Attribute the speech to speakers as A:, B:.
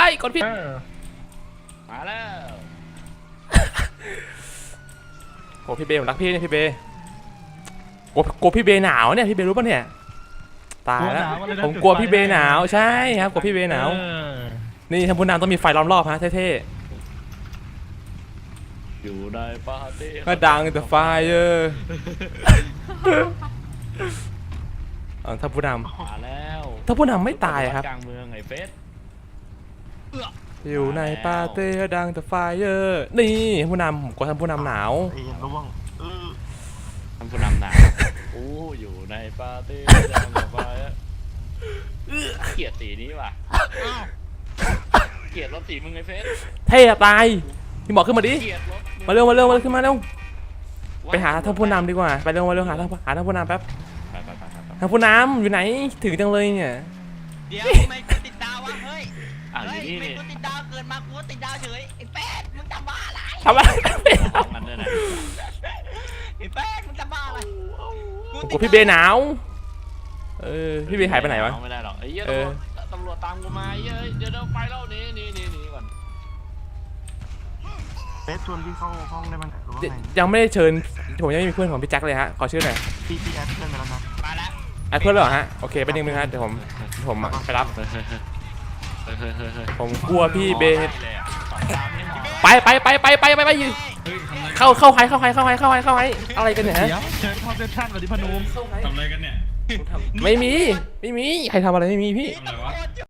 A: กดผิด
B: มาแล้ว
A: โอ้พี่เบย์ผมรักพี่เนี่ยพี่เบย์กลัวพี่เบย์หนาวเนี่ยพี่เบย์รู้ป่ะเนี่ยตายแล้วผมกลัวพี่เบย์หนาวใช่ครับกลัวพี่เบย์หนาวนี่ท่านผู้นำต้องมีไฟล้อมรอบฮะเท่
B: ๆอยู่ในปาร์ตี้
A: ก็ดังแต่ไฟท่านผู้นำ
B: มาแล้ว
A: ท่านผู้นำไม่ตายครับ
B: กลางเมืองไอ้เฟส
A: อยู่ในปาร์ตี้ดังแต่ไฟนี่ผู้นำผมกลัวท่านผู้นำหนาว
B: ท่านผู้นำหนาวอยู่ในปาร์ตี้ดังแต่ไฟเกลียดสีนี้ว่ะเกลียดรถสีมึงไอ้เฟส
A: เท่ตายพี่บอกขึ้นมาดิมาเร็วขึ้นมาเร็วไปหาท่านผู้นำดีกว่าไปเร็วหาท่านผู้นำแป๊บท่านผู้นำอยู่ไหนถึงจังเลยเนี่ย
C: เดี๋ยวทำไมกูติดดาววะเฮ้ยไม่กูติดดาวเกินมากูติดดาวเฉยไอ้แป๊ดมึงทำบ้าอะไร
A: ทำอะไร
B: มันด้วยนะ
C: ไอ้แป๊ดมึงทำบ้าอะไร
A: กูพี่เบย์หนาวพี่เบย์หายไปไหนวะ
B: ไม่ได้หรอกไอ้เหี้ยตำรวจตามกูมาเดี๋ยวไปแล้วนี่ก่อน
D: เฟสชวนพี่เข้าห้องได้มั้ยหรือว่าไง
A: ยังไม่ได้เชิญผมยังไม่มีเพื่อนของพี่แจ็คเลยฮะขอชื่อหน่อย
D: พี่แอดเพื่อนมาแล้วครับ
C: มาแล้ว
A: แอดเพื่อนเหรอฮะโอเคไปนึงฮะเดี๋ยวผมไปรับผมกลัวพี่เบย์ไปเข้าใครอะไรกันเนี่ยฮะ
D: เชิญเข้าเซสชั่นสวัสดีพนุม
E: ทำอะไรกันเนี่ย
A: ไม่มีใครทำอะไรไม่มีพี่